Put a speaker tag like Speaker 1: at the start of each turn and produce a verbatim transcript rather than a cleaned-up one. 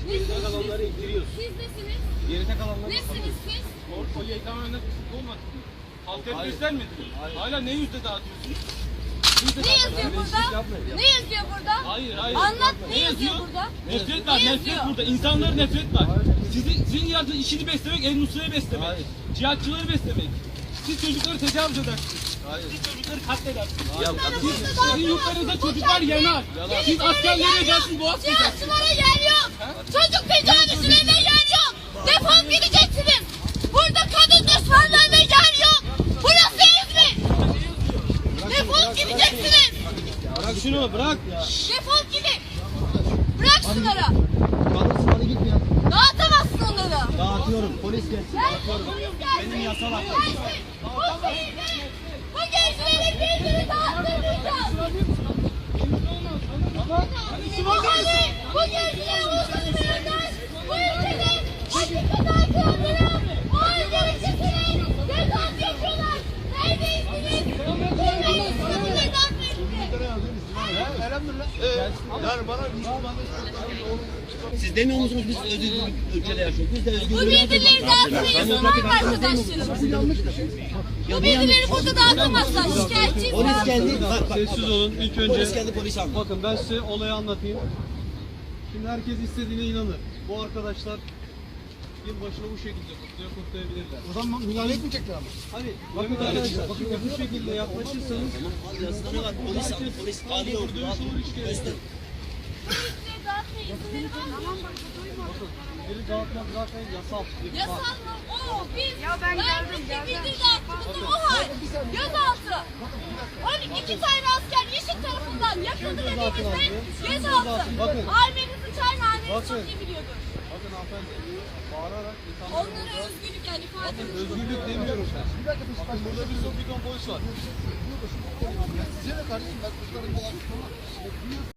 Speaker 1: Geride kalanları indiriyoruz.
Speaker 2: Siz nesiniz?
Speaker 1: Geride kalanları
Speaker 2: Nesiniz siz?
Speaker 3: O yayın tamamen kısıtlı olmadı. Halka göstermedi. Hala ne yüzde dağıtıyorsunuz?
Speaker 2: Ne yazıyor burada? Ne yazıyor burada?
Speaker 3: Hayır, hayır.
Speaker 2: Anlat, ne
Speaker 3: Ne
Speaker 2: yazıyor
Speaker 3: yazıyor?
Speaker 2: burada?
Speaker 3: Nefret var,
Speaker 2: Ne
Speaker 3: nefret
Speaker 2: yazıyor?
Speaker 3: burada. İnsanlara nefret var. Sizin, sizin yaptığınız işini beslemek, El Nusra'yı beslemek. Cihatçıları beslemek. Siz çocukları tecavüz edersiniz. Siz çocukları katledersiniz.
Speaker 1: Ya,
Speaker 3: Siz, sizin yurtlarınızda çocuklar yanar. Siz askerlere edersiniz, boğaz kesersiniz.
Speaker 2: Cihatçılara yer yok. Çocuk tecavüzlerine yer yok. Defol gideceksiniz. Burada kadın düşmanlarına yer yok. Burası İzmir. Defol gideceksiniz.
Speaker 1: Bırak şunu bırak.
Speaker 2: Defol gidin. Bırak şunları.
Speaker 1: Kalırsın hadi git ya.
Speaker 2: Dağıtamazsın onları.
Speaker 1: Dağıtıyorum polis gelsin.
Speaker 2: Gelsin, polis gelsin.
Speaker 1: Benim yasal hakkım.
Speaker 2: Gelsin. Bu şehirde, bu gençlerin birbirini dağıttırmayacağız. Yani bu gençleri uzatmayanlar bu ülkede hakikaten kaldırıp o ülkeyi getirin. Cezat yapıyorlar. Neredeysiniz? Kimlerin sınırları dağıtmayın.
Speaker 1: Yani bana siz demiyor musunuz biz özgür ülkede yaşıyoruz? Biz de özgür
Speaker 2: Bu bilgileri dağıtmayın. Var mı arkadaşlarım? Bu bilgileri burada dağıtamazlar. Şikayetçiyiz.
Speaker 1: Polis geldi. Bak, bak,
Speaker 4: Sessiz olun. İlk önce
Speaker 1: Polis geldi polis aldı.
Speaker 4: bakın ben size olayı anlatayım. Şimdi herkes istediğine inanır. Bu arkadaşlar yılbaşını bu şekilde kutluyor, kutlayabilirler.
Speaker 5: O zaman müdahale etmeyecekler ama.
Speaker 4: Hani bakın arkadaşlar, bakın bu şekilde yaklaşırsanız
Speaker 1: Yazıda ne var? Polis aldı. Polis arıyor.
Speaker 4: dövüş olur işkence. Biri dağıtmak zaten yasal.
Speaker 2: Yasal mı? Oo, biz ya ben geldim, geldim. Dağıttığımızda o hal. Gözaltı. on iki tane asker yeşil tarafından yakıldı dediğimizde gözaltı.
Speaker 4: Bakın.
Speaker 2: Ailenizi çağırın, aileniz
Speaker 4: Bakın.
Speaker 2: çok iyi biliyordur.
Speaker 4: Bakın hanımefendi, bağırarak insanları...
Speaker 2: Onlara özgürlük yani ifade ediyor.
Speaker 4: Özgürlük demiyorum ben. Bakın burada bir son bir ton polis var.
Speaker 5: Size de kardeşim ben kızlarım falan.